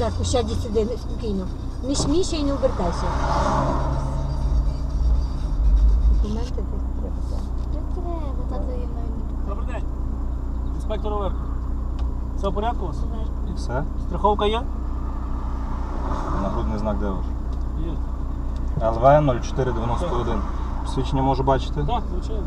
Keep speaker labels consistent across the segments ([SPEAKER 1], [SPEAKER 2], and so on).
[SPEAKER 1] зверху, сядь сюди спокійно. Не смійся і не обертайся. Документи десь треба.
[SPEAKER 2] Не треба, тато є навіть.
[SPEAKER 3] Добрий день. Інспектор Оверко. Все в порядку у вас?
[SPEAKER 4] І все?
[SPEAKER 3] Страховка є?
[SPEAKER 4] Нагрудний знак де ваш?
[SPEAKER 3] Є.
[SPEAKER 4] ЛВ 0491. Посвідчення можу бачити?
[SPEAKER 3] Так, звичайно.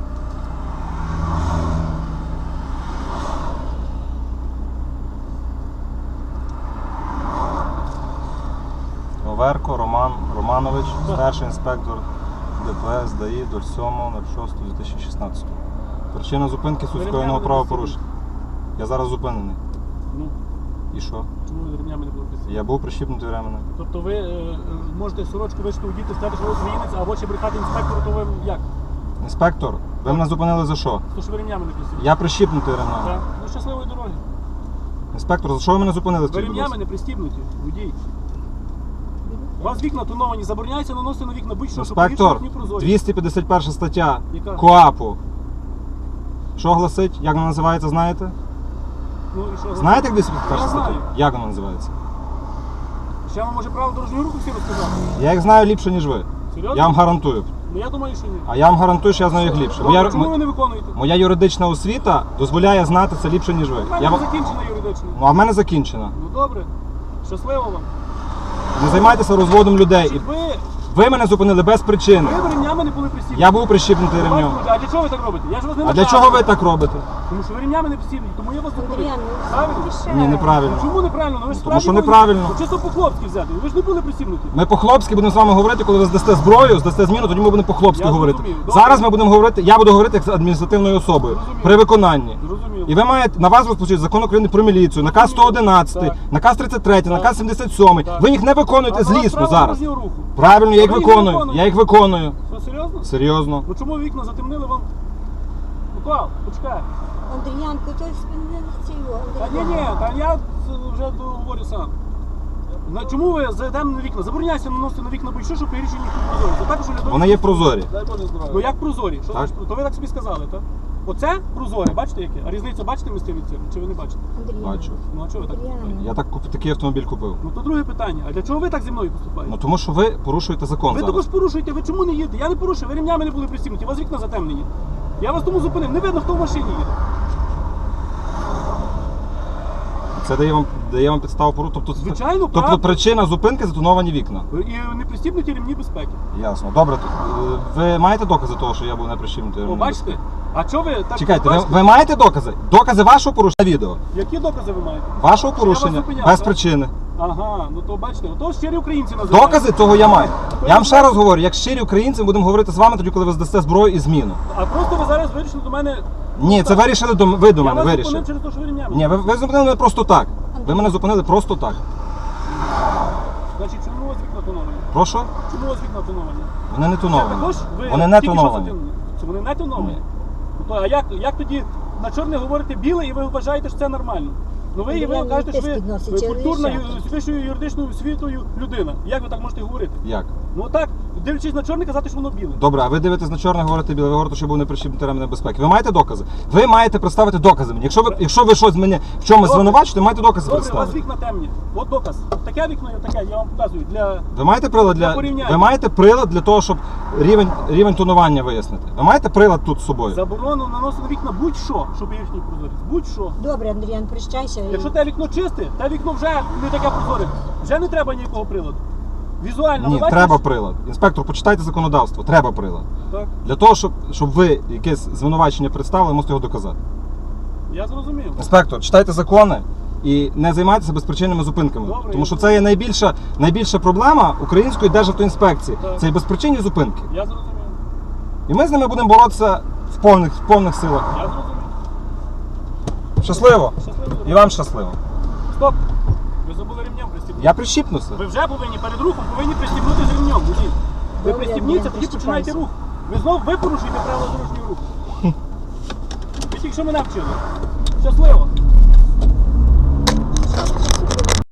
[SPEAKER 4] Оверко Роман Романович,
[SPEAKER 3] Так.
[SPEAKER 4] старший інспектор ДПС ДАІ 07.06.2016. Причина зупинки
[SPEAKER 3] Ви
[SPEAKER 4] скоєного
[SPEAKER 3] ремнями не
[SPEAKER 4] правопорушення. Я зараз зупинений.
[SPEAKER 3] Ну,
[SPEAKER 4] І що?
[SPEAKER 3] чому ви ремнями не були присутні?
[SPEAKER 4] Я був прищіпнутий ременем.
[SPEAKER 3] Тобто ви можете сорочку вишити у діти, сказати, що ви українець, або ще брехати інспектору, то ви як?
[SPEAKER 4] Інспектор, ви мене зупинили за що?
[SPEAKER 3] То що ви ремнями не присутні?
[SPEAKER 4] Я прищіпнутий ременем.
[SPEAKER 3] Так. Ну, щасливої дороги.
[SPEAKER 4] Інспектор, за що ви мене зупинили?
[SPEAKER 3] Ви
[SPEAKER 4] скажіть, будь
[SPEAKER 3] ремнями
[SPEAKER 4] ласка?
[SPEAKER 3] не пристібнуті, водій. У вас вікна тоновані, забороняється наносити на вікна будь-що, щоб
[SPEAKER 4] Інспектор,
[SPEAKER 3] повітря не прозорі.
[SPEAKER 4] 251 стаття
[SPEAKER 3] Яка?
[SPEAKER 4] КоАПу. Що гласить? Як вона називається, знаєте?
[SPEAKER 3] Ну, і що?
[SPEAKER 4] Знаєте, як 251
[SPEAKER 3] Я
[SPEAKER 4] стаття?
[SPEAKER 3] знаю.
[SPEAKER 4] Як вона називається?
[SPEAKER 3] Ще вам може правила дорожнього руху всі розказати?
[SPEAKER 4] Я їх знаю ліпше, ніж ви.
[SPEAKER 3] Серйозно?
[SPEAKER 4] Я вам гарантую.
[SPEAKER 3] Ну я думаю, що ні.
[SPEAKER 4] А я вам гарантую, що я знаю їх ліпше.
[SPEAKER 3] Добре, чому ви не виконуєте?
[SPEAKER 4] Моя юридична освіта дозволяє знати це ліпше, ніж ви.
[SPEAKER 3] У мене
[SPEAKER 4] Я...
[SPEAKER 3] не закінчена юридична.
[SPEAKER 4] Ну, а в мене закінчена.
[SPEAKER 3] Ну добре. Щасливо вам.
[SPEAKER 4] Не займайтеся розводом людей.
[SPEAKER 3] Чи
[SPEAKER 4] Ви мене зупинили без причини.
[SPEAKER 3] ви ремнями не були присібні?
[SPEAKER 4] Я був прищіпнутий ремнем.
[SPEAKER 3] А для чого ви так робите? Я ж вас не
[SPEAKER 4] А для
[SPEAKER 3] навчав.
[SPEAKER 4] чого ви так робите?
[SPEAKER 3] Тому що ви ремнями не присібні, тому я вас зупинив.
[SPEAKER 1] Андріан,
[SPEAKER 3] Правильно?
[SPEAKER 4] Ні, неправильно.
[SPEAKER 3] Ну, чому неправильно? Ну, ви ж
[SPEAKER 4] Тому що
[SPEAKER 3] справді
[SPEAKER 4] неправильно.
[SPEAKER 3] були- Чисто по-хлопськи взяти. Ви ж не були присібнуті.
[SPEAKER 4] Ми по-хлопськи будемо з вами говорити, коли ви здасте зброю, здасте зміну, тоді ми будемо по-хлопськи
[SPEAKER 3] Я
[SPEAKER 4] говорити.
[SPEAKER 3] зрозумів. Добре.
[SPEAKER 4] Зараз ми будемо говорити, я буду говорити як з адміністративною особою
[SPEAKER 3] Зрозумів.
[SPEAKER 4] при виконанні.
[SPEAKER 3] Зрозуміло.
[SPEAKER 4] І ви маєте, на вас розпочати закон України про міліцію, наказ 111,
[SPEAKER 3] Так.
[SPEAKER 4] наказ 33, наказ 77.
[SPEAKER 3] Так.
[SPEAKER 4] Ви їх не виконуєте
[SPEAKER 3] А
[SPEAKER 4] злісно
[SPEAKER 3] правила
[SPEAKER 4] зараз.
[SPEAKER 3] дорожнього руху.
[SPEAKER 4] Правильно, я їх
[SPEAKER 3] А ви їх
[SPEAKER 4] виконую.
[SPEAKER 3] виконуєте?
[SPEAKER 4] Я їх виконую.
[SPEAKER 3] Що, серйозно?
[SPEAKER 4] Серйозно.
[SPEAKER 3] Ну чому вікна затемнили вам? Микола, почекай.
[SPEAKER 1] Андріянко, то не цього.
[SPEAKER 3] Та ні, та я вже говорю сам. Чому ви зайдемо на вікна? Забороняйся наносити на вікна будь-що, щоб рішення їх не прозорі. Це також оглядові-
[SPEAKER 4] Вони є прозорі.
[SPEAKER 3] Дай Боже здоров'я. Ну як прозорі? Що
[SPEAKER 4] Так.
[SPEAKER 3] значить? То ви так собі сказали, так? Оце прозоре, бачите яке? А різницю бачите між тим і цим? Чи ви не бачите?
[SPEAKER 4] Бачу.
[SPEAKER 3] Ну а чого ви так поступаєте?
[SPEAKER 4] Я такий автомобіль купив.
[SPEAKER 3] Ну то друге питання. А для чого ви так зі мною поступаєте?
[SPEAKER 4] Ну тому що ви порушуєте закон
[SPEAKER 3] Ви
[SPEAKER 4] зараз.
[SPEAKER 3] також порушуєте, ви чому не їдете? Я не порушую, ви ремнями не були пристібнуті, у вас вікна затемнені. Я вас тому зупинив, не видно, хто в машині їде.
[SPEAKER 4] Це дає вам підставу порушити.
[SPEAKER 3] Звичайно,
[SPEAKER 4] тобто
[SPEAKER 3] правда.
[SPEAKER 4] причина зупинки затоновані вікна.
[SPEAKER 3] І не пристібнуті ремні безпеки.
[SPEAKER 4] Ясно. Добре. Ви маєте докази того, що я був не прищіпнутий?
[SPEAKER 3] О, бачите? А чого ви так
[SPEAKER 4] Чекайте,
[SPEAKER 3] бачите?
[SPEAKER 4] ви маєте докази? Докази вашого порушення відео?
[SPEAKER 3] Які докази ви маєте?
[SPEAKER 4] Вашого
[SPEAKER 3] Що я вас
[SPEAKER 4] порушення
[SPEAKER 3] зупиняв,
[SPEAKER 4] без
[SPEAKER 3] так?
[SPEAKER 4] причини.
[SPEAKER 3] Ага, ну то бачите, ото щирі українці називають.
[SPEAKER 4] Докази того я маю. Я вам ще раз говорю, як щирі українці, ми будемо говорити з вами тоді, коли ви здасте зброю і зміну.
[SPEAKER 3] А просто ви зараз вирішили до мене...
[SPEAKER 4] Ні, це вирішили ви до
[SPEAKER 3] Я
[SPEAKER 4] мене
[SPEAKER 3] вас
[SPEAKER 4] вирішили.
[SPEAKER 3] зупинив через те, що ви ремнями.
[SPEAKER 4] Ні, ви зупинили мене просто так. Ви мене зупинили просто так.
[SPEAKER 3] Значить, чому у вас вікна тоновані?
[SPEAKER 4] Прошу?
[SPEAKER 3] Чому у вас вікна тоновані?
[SPEAKER 4] Вони не
[SPEAKER 3] Це
[SPEAKER 4] тоновані.
[SPEAKER 3] також ви
[SPEAKER 4] Вони не
[SPEAKER 3] тільки що
[SPEAKER 4] тоновані.
[SPEAKER 3] затемнили? Це вони не тоновані?
[SPEAKER 4] Ні.
[SPEAKER 3] Ну, то, а як тоді на чорне говорите біле і ви вважаєте, що це нормально? Ну ви
[SPEAKER 1] Андріан,
[SPEAKER 3] кажете, що
[SPEAKER 1] теж
[SPEAKER 3] ви
[SPEAKER 1] підносить, чи
[SPEAKER 3] культурна,
[SPEAKER 1] рішати?
[SPEAKER 3] з вищою юридичною освітою людина. Як ви так можете говорити?
[SPEAKER 4] Як?
[SPEAKER 3] Ну так, дивлячись на чорне, казати, що воно біле.
[SPEAKER 4] Добре, а ви дивитесь на чорне, говорите біле, ви говорите, що був не прищіпнутий ремень безпеки. Ви маєте докази? Ви маєте представити докази мені. Якщо ви щось мене в чомусь
[SPEAKER 3] Добре.
[SPEAKER 4] звинувачите, маєте докази
[SPEAKER 3] Добре, у вас
[SPEAKER 4] представити.
[SPEAKER 3] вікна темні. От доказ. Таке вікно і таке, я вам показую.
[SPEAKER 4] Ви маєте прилад
[SPEAKER 3] Для порівняння.
[SPEAKER 4] ви маєте прилад для того, щоб рівень тонування вияснити. Ви маєте прилад тут з собою?
[SPEAKER 3] Заборону наносити на вікна будь-що, щоб їхній прозорість. Будь-що.
[SPEAKER 1] Добре, Андріан, прощайся.
[SPEAKER 3] Якщо те вікно чисте, те вікно вже не таке прозоре. Вже не треба ніякого приладу. Візуально,
[SPEAKER 4] Ні,
[SPEAKER 3] ви бачите,
[SPEAKER 4] треба
[SPEAKER 3] що-
[SPEAKER 4] прилад. Інспектор, почитайте законодавство. Треба прилад.
[SPEAKER 3] Так,
[SPEAKER 4] Для того, щоб ви якесь звинувачення представили, мусите його доказати.
[SPEAKER 3] я зрозумів.
[SPEAKER 4] Інспектор, читайте закони і не займайтеся безпричинними зупинками.
[SPEAKER 3] Добре,
[SPEAKER 4] Тому що
[SPEAKER 3] я
[SPEAKER 4] це є найбільша проблема української державтоінспекції.
[SPEAKER 3] Так.
[SPEAKER 4] Це і безпричинні зупинки.
[SPEAKER 3] Я зрозумів.
[SPEAKER 4] І ми з ними будемо боротися в повних силах.
[SPEAKER 3] Я зрозумів.
[SPEAKER 4] Щасливо!
[SPEAKER 3] Щасливо.
[SPEAKER 4] І вам щасливо.
[SPEAKER 3] Стоп! Ви забули ремнем пристібнути.
[SPEAKER 4] Я прищіпнуся.
[SPEAKER 3] Ви вже повинні перед рухом пристібнути з ремнем. водій. Ви
[SPEAKER 1] Добре,
[SPEAKER 3] пристібніться,
[SPEAKER 1] Андрій,
[SPEAKER 3] тоді починайте рух.
[SPEAKER 1] пристібайся.
[SPEAKER 3] Ви порушуєте правила дорожнього руху. Ви тільки що мене вчили. Щасливо!